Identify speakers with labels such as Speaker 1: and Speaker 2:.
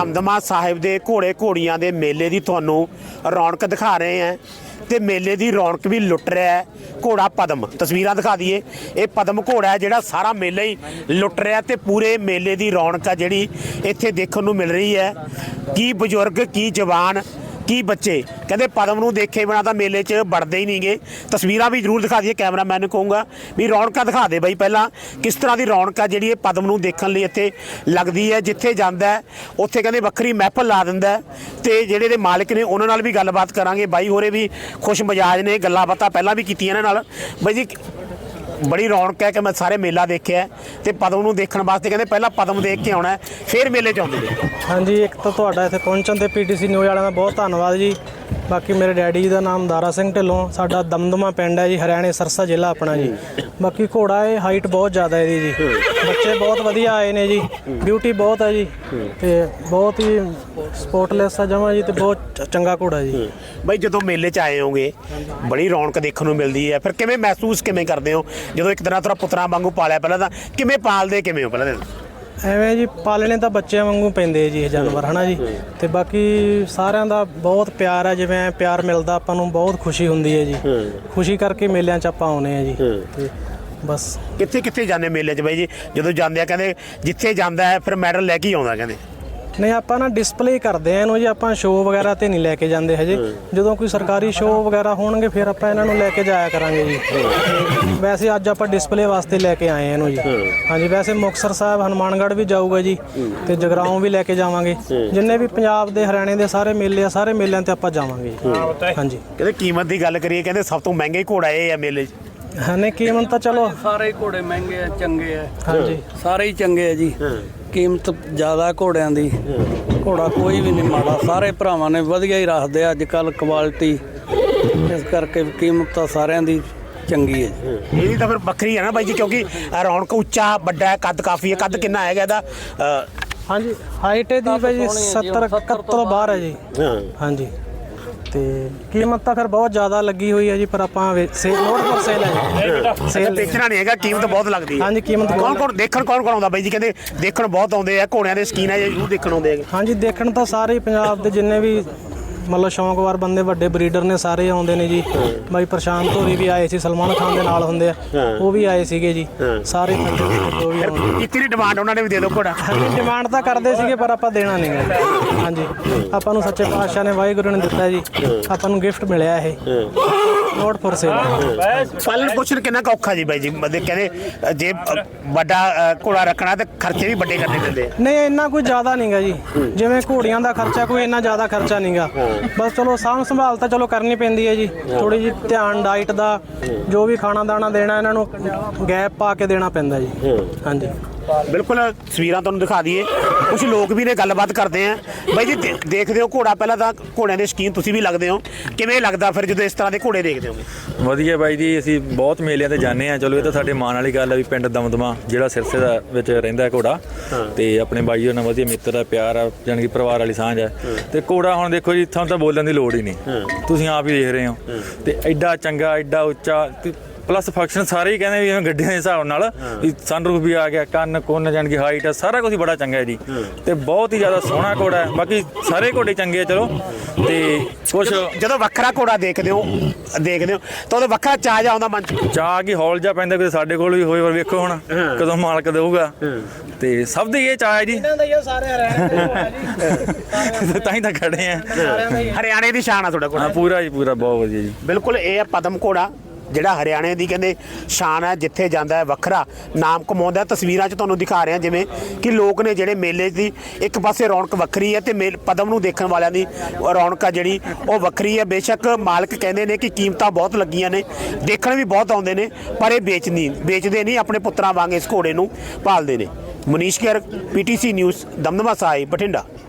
Speaker 1: ਦਮਦਮਾ ਸਾਹਿਬ ਦੇ ਘੋੜੇ ਘੋੜੀਆਂ ਦੇ ਮੇਲੇ ਦੀ ਤੁਹਾਨੂੰ ਰੌਣਕ ਦਿਖਾ ਰਹੇ ਹਾਂ ਤੇ ਮੇਲੇ ਦੀ ਰੌਣਕ ਵੀ ਲੁੱਟ ਰਿਹਾ ਹੈ ਘੋੜਾ ਪਦਮ। ਤਸਵੀਰਾਂ ਦਿਖਾ ਦਈਏ, ਇਹ ਪਦਮ ਘੋੜਾ ਹੈ ਜਿਹੜਾ ਸਾਰਾ ਮੇਲਾ ਹੀ ਲੁੱਟ ਰਿਹਾ ਤੇ ਪੂਰੇ ਮੇਲੇ ਦੀ ਰੌਣਕ ਆ ਜਿਹੜੀ ਇੱਥੇ ਦੇਖਣ ਨੂੰ ਮਿਲ ਰਹੀ ਹੈ। ਕੀ ਬਜ਼ੁਰਗ, ਕੀ ਜਵਾਨ, ਕੀ ਬੱਚੇ ਕਹਿੰਦੇ ਪਦਮ ਨੂੰ ਦੇਖੇ ਬਿਨਾਂ ਤਾਂ ਮੇਲੇ 'ਚ ਵੜਦੇ ਹੀ ਨਹੀਂਗੇ। ਤਸਵੀਰਾਂ ਵੀ ਜ਼ਰੂਰ ਦਿਖਾ ਦਈਏ, ਕੈਮਰਾਮੈਨ ਨੂੰ ਕਹੂੰਗਾ ਵੀ ਰੌਣਕਾਂ ਦਿਖਾ ਦੇ ਬਾਈ ਪਹਿਲਾਂ ਕਿਸ ਤਰ੍ਹਾਂ ਦੀ ਰੌਣਕ ਆ ਜਿਹੜੀ ਇਹ ਪਦਮ ਨੂੰ ਦੇਖਣ ਲਈ ਇੱਥੇ ਲੱਗਦੀ ਹੈ। ਜਿੱਥੇ ਜਾਂਦਾ ਉੱਥੇ ਕਹਿੰਦੇ ਵੱਖਰੀ ਮਹਿਫਲ ਲਾ ਦਿੰਦਾ ਤੇ ਜਿਹੜੇ ਦੇ ਮਾਲਕ ਨੇ ਉਹਨਾਂ ਨਾਲ ਵੀ ਗੱਲਬਾਤ ਕਰਾਂਗੇ। ਬਾਈ ਹੋਰੇ ਵੀ ਖੁਸ਼ ਮਿਜਾਜ ਨੇ, ਗੱਲਾਂ ਬਾਤਾਂ ਪਹਿਲਾਂ ਵੀ ਕੀਤੀਆਂ ਇਹਨਾਂ ਨਾਲ। ਬਾਈ ਜੀ ਬੜੀ ਰੌਣਕ ਹੈ ਕਿ ਮੈਂ ਸਾਰੇ ਮੇਲਾ ਦੇਖਿਆ ਤੇ ਪਦਮ ਨੂੰ ਦੇਖਣ ਵਾਸਤੇ ਕਹਿੰਦੇ ਪਹਿਲਾਂ ਪਦਮ ਦੇਖ ਕੇ ਆਉਣਾ ਫਿਰ ਮੇਲੇ 'ਚ ਆਉਂਦੇ ਨੇ।
Speaker 2: ਹਾਂਜੀ, ਇੱਕ ਤਾਂ ਤੁਹਾਡਾ ਇੱਥੇ ਪਹੁੰਚਣ ਤੇ ਪੀਟੀਸੀ ਨਿਊਜ਼ ਵਾਲਿਆਂ ਦਾ ਬਹੁਤ ਧੰਨਵਾਦ ਜੀ। ਬਾਕੀ ਮੇਰੇ ਡੈਡੀ ਜੀ ਦਾ ਨਾਮ ਦਾਰਾ ਸਿੰਘ ਢਿੱਲੋਂ, ਸਾਡਾ ਦਮਦਮਾ ਪਿੰਡ ਹੈ ਜੀ, ਹਰਿਆਣੇ ਸਰਸਾ ਜ਼ਿਲ੍ਹਾ ਆਪਣਾ ਜੀ। ਬਾਕੀ ਘੋੜਾ ਇਹ ਹਾਈਟ ਬਹੁਤ ਜ਼ਿਆਦਾ ਇਹਦੀ ਜੀ, ਬੱਚੇ ਬਹੁਤ ਵਧੀਆ ਆਏ ਨੇ ਜੀ, ਬਿਊਟੀ ਬਹੁਤ ਹੈ ਜੀ ਤੇ ਬਹੁਤ ਹੀ ਸਪੋਰਟਲੈਸ ਆ ਜਮਾਂ ਜੀ ਤੇ ਬਹੁਤ ਚੰਗਾ ਘੋੜਾ ਜੀ।
Speaker 1: ਬਾਈ ਜਦੋਂ ਮੇਲੇ 'ਚ ਆਏ ਹੋਗੇ ਬੜੀ ਰੌਣਕ ਦੇਖਣ ਨੂੰ ਮਿਲਦੀ ਹੈ, ਫਿਰ ਕਿਵੇਂ ਮਹਿਸੂਸ ਕਿਵੇਂ ਕਰਦੇ ਹੋ ਜਦੋਂ ਇੱਕ ਤਰ੍ਹਾਂ ਪੁੱਤਰਾਂ ਵਾਂਗੂ ਪਾਲਿਆ? ਪਹਿਲਾਂ ਤਾਂ ਕਿਵੇਂ ਪਾਲਦੇ ਕਿਵੇਂ ਹੋ ਪਹਿਲਾਂ?
Speaker 2: ਐਵੇਂ ਜੀ ਪਾਲਣੇ ਤਾਂ ਬੱਚਿਆਂ ਵਾਂਗੂ ਪੈਂਦੇ ਜੀ ਇਹ ਜਾਨਵਰ, ਹੈ ਨਾ ਜੀ। ਤੇ ਬਾਕੀ ਸਾਰਿਆਂ ਦਾ ਬਹੁਤ ਪਿਆਰ ਹੈ, ਜਿਵੇਂ ਪਿਆਰ ਮਿਲਦਾ ਆਪਾਂ ਨੂੰ ਬਹੁਤ ਖੁਸ਼ੀ ਹੁੰਦੀ ਹੈ ਜੀ। ਖੁਸ਼ੀ ਕਰਕੇ ਮੇਲਿਆਂ 'ਚ ਆਪਾਂ ਆਉਂਦੇ ਹਾਂ ਜੀ। ਤੇ ਬਸ
Speaker 1: ਕਿੱਥੇ ਕਿੱਥੇ ਜਾਂਦੇ ਮੇਲੇ 'ਚ ਬਾਈ ਜੀ? ਜਦੋਂ ਜਾਂਦੇ ਆ ਕਹਿੰਦੇ ਜਿੱਥੇ ਜਾਂਦਾ ਹੈ ਫਿਰ ਮੈਡਲ ਲੈ ਕੇ ਹੀ ਆਉਂਦਾ ਕਹਿੰਦੇ।
Speaker 2: ਨਹੀਂ, ਆਪਾਂ ਨਾ ਡਿਸਪਲੇ ਕਰਦੇ ਆ ਇਹਨੂੰ ਜੀ, ਆਪਾਂ ਸ਼ੋਅ ਵਗੈਰਾ ਤੇ ਨਹੀਂ ਲੈ ਕੇ ਜਾਂਦੇ ਹਜੇ। ਜਦੋਂ ਕੋਈ ਸਰਕਾਰੀ ਸ਼ੋਅ ਵਗੈਰਾ ਹੋਣਗੇ ਫਿਰ ਆਪਾਂ ਇਹਨਾਂ ਨੂੰ ਲੈ ਕੇ ਜਾਇਆ ਕਰਾਂਗੇ ਜੀ। ਵੈਸੇ ਅੱਜ ਆਪਾਂ ਡਿਸਪਲੇ ਵਾਸਤੇ ਲੈ ਕੇ ਆਏ ਇਹਨੂੰ ਜੀ। ਹਾਂਜੀ, ਵੈਸੇ ਮੁਕਤਸਰ ਸਾਹਿਬ, ਹਨੂੰਮਾਨਗੜ੍ਹ ਵੀ ਜਾਊਗਾ ਜੀ ਤੇ ਜਗਰਾਓਂ ਵੀ ਲੈ ਕੇ ਜਾਵਾਂਗੇ। ਜਿੰਨੇ ਵੀ ਪੰਜਾਬ ਦੇ, ਹਰਿਆਣੇ ਦੇ ਸਾਰੇ ਮੇਲੇ ਆ, ਸਾਰੇ ਮੇਲਿਆਂ ਤੇ ਆਪਾਂ ਜਾਵਾਂਗੇ ਜੀ। ਹਾਂਜੀ,
Speaker 1: ਕਹਿੰਦੇ ਕੀਮਤ ਦੀ ਗੱਲ ਕਰੀਏ ਕਹਿੰਦੇ ਸਭ ਤੋਂ ਮਹਿੰਗੇ ਘੋੜਾ ਇਹ ਆ ਮੇਲੇ 'ਚ।
Speaker 2: ਨਹੀਂ ਕੀਮਤ ਤਾਂ ਚਲੋ
Speaker 3: ਸਾਰੇ ਘੋੜੇ ਮਹਿੰਗੇ ਆ, ਚੰਗੇ ਆ।
Speaker 2: ਹਾਂਜੀ,
Speaker 3: ਸਾਰੇ ਹੀ ਚੰਗੇ ਆ ਜੀ। ਕੀਮਤ ਜ਼ਿਆਦਾ ਘੋੜਿਆਂ ਦੀ, ਘੋੜਾ ਕੋਈ ਵੀ ਨਹੀਂ ਮਾੜਾ, ਸਾਰੇ ਭਰਾਵਾਂ ਨੇ ਵਧੀਆ ਹੀ ਰੱਖਦੇ ਆ ਅੱਜ ਕੱਲ੍ਹ ਕੁਆਲਿਟੀ, ਇਸ ਕਰਕੇ ਕੀਮਤ ਤਾਂ ਸਾਰਿਆਂ ਦੀ ਚੰਗੀ ਹੈ ਜੀ।
Speaker 1: ਇਹਦੀ ਤਾਂ ਫਿਰ ਵੱਖਰੀ ਹੈ ਨਾ ਬਾਈ ਜੀ, ਕਿਉਂਕਿ ਰੌਣਕ ਉੱਚਾ ਵੱਡਾ ਹੈ, ਕੱਦ ਕਾਫੀ ਹੈ। ਕੱਦ ਕਿੰਨਾ ਹੈਗਾ ਇਹਦਾ?
Speaker 2: ਹਾਂਜੀ, ਹਾਈਟ ਇਹਦੀ ਬਾਈ ਜੀ 70 71 ਤੋਂ ਬਾਹਰ ਹੈ ਜੀ। ਹਾਂਜੀ, ਤੇ ਕੀਮਤ ਤਾਂ ਫਿਰ ਬਹੁਤ ਜ਼ਿਆਦਾ ਲੱਗੀ ਹੋਈ ਹੈ ਜੀ, ਪਰ ਆਪਾਂ ਨੋਟ ਪਰ ਸੇਲ ਹੈ ਜੀ।
Speaker 1: ਸੇਲ ਦੇਖਣਾ ਨਹੀਂ ਹੈਗਾ, ਕੀਮਤ ਬਹੁਤ ਲੱਗਦੀ ਹੈ।
Speaker 2: ਹਾਂਜੀ, ਕੀਮਤ
Speaker 1: ਕੌਣ ਦੇਖਣ ਕੌਣ ਆਉਂਦਾ ਬਾਈ ਜੀ? ਕਹਿੰਦੇ ਦੇਖਣ ਬਹੁਤ ਆਉਂਦੇ ਆ, ਘੋੜਿਆਂ ਦੇ ਸ਼ੌਕੀਨ ਆ ਜੀ, ਜ਼ਰੂਰ ਦੇਖਣ ਆਉਂਦੇ ਹੈਗੇ।
Speaker 2: ਹਾਂਜੀ, ਦੇਖਣ ਤਾਂ ਸਾਰੇ ਪੰਜਾਬ ਦੇ ਜਿੰਨੇ ਵੀ ਮਤਲਬ ਸ਼ੌਂਕਵਾਰ ਬੰਦੇ, ਵੱਡੇ ਬਰੀਡਰ ਨੇ, ਸਾਰੇ ਆਉਂਦੇ ਨੇ ਜੀ। ਬਾਈ ਪ੍ਰਸ਼ਾਂਤ ਹੋਰੀ ਵੀ ਆਏ ਸੀ, ਸਲਮਾਨ ਖਾਨ ਦੇ ਨਾਲ ਹੁੰਦੇ ਆ, ਉਹ ਵੀ ਆਏ ਸੀਗੇ ਜੀ। ਸਾਰੇ ਜੋ ਵੀ
Speaker 1: ਕਿੰਨੀ ਡਿਮਾਂਡ ਉਹਨਾਂ ਨੇ ਵੀ ਦੇ ਦਿਓ ਘੋੜਾ?
Speaker 2: ਡਿਮਾਂਡ ਤਾਂ ਕਰਦੇ ਸੀਗੇ ਪਰ ਆਪਾਂ ਦੇਣਾ ਨਹੀਂ ਗਾ। ਹਾਂਜੀ, ਆਪਾਂ ਨੂੰ ਸੱਚੇ ਪਾਤਸ਼ਾਹ ਨੇ, ਵਾਹਿਗੁਰੂ ਨੇ ਦਿੱਤਾ ਜੀ, ਆਪਾਂ ਨੂੰ ਗਿਫਟ ਮਿਲਿਆ ਇਹ ਨੋਟ ਫॉर ਸੇਲ।
Speaker 1: ਪਾਲਣ ਪੋਸ਼ਣ ਕਿੰਨਾ ਕੁ ਔਖਾ ਜੀ ਬਾਈ ਜੀ? ਮਤਲਬ ਕਹਿੰਦੇ ਜੇ ਵੱਡਾ ਘੋੜਾ ਰੱਖਣਾ ਤੇ ਖਰਚੇ ਵੀ ਵੱਡੇ ਕਰਨੇ ਪੈਂਦੇ ਆ।
Speaker 2: ਨਹੀਂ, ਇੰਨਾ ਕੋਈ ਜ਼ਿਆਦਾ ਨਹੀਂ ਗਾ ਜੀ। ਜਿਵੇਂ ਘੋੜੀਆਂ ਦਾ ਖਰਚਾ, ਕੋਈ ਇੰਨਾ ਜ਼ਿਆਦਾ ਖਰਚਾ ਨਹੀਂ ਗਾ। ਬਸ ਚਲੋ ਸਾਂਭ ਸੰਭਾਲ ਤਾਂ ਚਲੋ ਕਰਨੀ ਪੈਂਦੀ ਹੈ ਜੀ, ਥੋੜੀ ਜਿਹੀ ਧਿਆਨ ਡਾਈਟ ਦਾ, ਜੋ ਵੀ ਖਾਣਾ ਦਾਣਾ ਦੇਣਾ ਇਹਨਾਂ ਨੂੰ ਗੈਪ ਪਾ ਕੇ ਦੇਣਾ ਪੈਂਦਾ ਜੀ। ਹਾਂਜੀ,
Speaker 1: ਬਿਲਕੁਲ। ਤਸਵੀਰਾਂ ਤੁਹਾਨੂੰ ਦਿਖਾ ਦਈਏ, ਕੁਝ ਲੋਕ ਵੀ ਨੇ, ਗੱਲਬਾਤ ਕਰਦੇ ਆ। ਬਾਈ ਜੀ ਦੇਖਦੇ ਹੋ ਘੋੜਾ, ਪਹਿਲਾਂ ਤਾਂ ਘੋੜਿਆਂ ਦੇ ਸ਼ੌਕੀਨ ਤੁਸੀਂ ਵੀ ਲੱਗਦੇ ਹੋ, ਕਿਵੇਂ ਲੱਗਦਾ ਫਿਰ ਜਦੋਂ ਇਸ ਤਰ੍ਹਾਂ ਦੇ ਘੋੜੇ ਦੇਖਦੇ ਹੋ?
Speaker 4: ਵਧੀਆ ਬਾਈ ਜੀ, ਅਸੀਂ ਬਹੁਤ ਮੇਲਿਆਂ ਤੇ ਜਾਂਦੇ ਹਾਂ। ਚਲੋ ਇਹ ਤਾਂ ਸਾਡੇ ਮਾਣ ਵਾਲੀ ਗੱਲ ਆ ਵੀ ਪਿੰਡ ਦਮਦਮਾ ਜਿਹੜਾ ਸਿਰਸੇ ਦਾ ਵਿੱਚ ਰਹਿੰਦਾ ਘੋੜਾ, ਤੇ ਆਪਣੇ ਬਾਈ ਉਹਨਾਂ ਵਧੀਆ ਮਿੱਤਰ ਆ, ਪਿਆਰ ਆ, ਜਾਣੀ ਕਿ ਪਰਿਵਾਰ ਵਾਲੀ ਸਾਂਝ ਆ। ਤੇ ਘੋੜਾ ਹੁਣ ਦੇਖੋ ਜੀ, ਤੁਹਾਨੂੰ ਤਾਂ ਬੋਲਣ ਦੀ ਲੋੜ ਹੀ ਨਹੀਂ, ਤੁਸੀਂ ਆਪ ਹੀ ਦੇਖ ਰਹੇ ਹੋ। ਤੇ ਐਡਾ ਚੰਗਾ, ਐਡਾ ਉੱਚਾ, ਪਲੱਸ ਫੰਕਸ਼ਨ ਸਾਰੇ ਹੀ ਕਹਿੰਦੇ ਵੀ ਜਿਵੇਂ ਗੱਡੀਆਂ ਦੇ ਹਿਸਾਬ ਨਾਲ ਵੀ ਸਨਰੂਫ ਵੀ ਆ ਗਿਆ, ਕੰਨ ਕੁੰਨ ਜਾਣ ਕਿ ਹਾਈਟ ਆ, ਸਾਰਾ ਕੁਝ ਬੜਾ ਚੰਗਾ ਹੈ ਜੀ। ਤੇ ਬਹੁਤ ਹੀ ਜ਼ਿਆਦਾ ਸੋਹਣਾ ਘੋੜਾ ਹੈ। ਬਾਕੀ ਸਾਰੇ ਘੋੜੇ ਚੰਗੇ ਆ ਚਲੋ। ਤੇ ਕੁਛ
Speaker 1: ਜਦੋਂ ਵੱਖਰਾ ਘੋੜਾ ਦੇਖਦੇ ਹੋ ਤਾਂ ਉਹਦਾ ਵੱਖਰਾ ਚਾਅ ਆਉਂਦਾ ਮਨ 'ਚ?
Speaker 4: ਚਾਹ ਕੀ ਹੌਲ ਜਾ ਪੈਂਦਾ, ਕਿ ਸਾਡੇ ਕੋਲ ਵੀ ਹੋਏ, ਪਰ ਵੇਖੋ ਹੁਣ ਕਦੋਂ ਮਾਲਕ ਦੇਊਗਾ। ਤੇ ਸਭ ਦੇ ਇਹ ਚਾਅ ਹੈ ਜੀ, ਤਾਂ ਹੀ ਤਾਂ ਖੜੇ ਆ।
Speaker 1: ਹਰਿਆਣੇ ਦੀ ਸ਼ਾਨ ਆ ਤੁਹਾਡਾ ਘੋੜਾ?
Speaker 4: ਪੂਰਾ ਜੀ, ਪੂਰਾ ਬਹੁਤ ਵਧੀਆ ਜੀ।
Speaker 1: ਬਿਲਕੁਲ, ਇਹ ਹੈ ਪਦਮ ਘੋੜਾ ਜਿਹੜਾ ਹਰਿਆਣੇ ਦੀ ਕਹਿੰਦੇ ਸ਼ਾਨ ਹੈ, ਜਿੱਥੇ ਜਾਂਦਾ ਹੈ ਵੱਖਰਾ ਨਾਮ ਕਮਾਉਂਦਾ। ਤਸਵੀਰਾਂ 'ਚ ਤੁਹਾਨੂੰ ਦਿਖਾ ਰਹੇ ਹਾਂ ਜਿਵੇਂ ਕਿ ਲੋਕ ਨੇ ਜਿਹੜੇ ਮੇਲੇ ਦੀ ਇੱਕ ਪਾਸੇ ਰੌਣਕ ਵੱਖਰੀ ਹੈ ਤੇ ਪਦਮ ਨੂੰ ਦੇਖਣ ਵਾਲਿਆਂ ਦੀ ਰੌਣਕ ਆ ਜਿਹੜੀ ਉਹ ਵੱਖਰੀ ਹੈ। ਬੇਸ਼ੱਕ ਮਾਲਕ ਕਹਿੰਦੇ ਨੇ ਕਿ ਕੀਮਤਾਂ ਬਹੁਤ ਲੱਗੀਆਂ ਨੇ, ਦੇਖਣ ਵੀ ਬਹੁਤ ਆਉਂਦੇ ਨੇ, ਪਰ ਇਹ ਵੇਚਦੇ ਨਹੀਂ, ਆਪਣੇ ਪੁੱਤਰਾਂ ਵਾਂਗ ਇਸ ਘੋੜੇ ਨੂੰ ਪਾਲਦੇ ਨੇ। Manish Gir, PTC news, Damdama Sahib, Bathinda.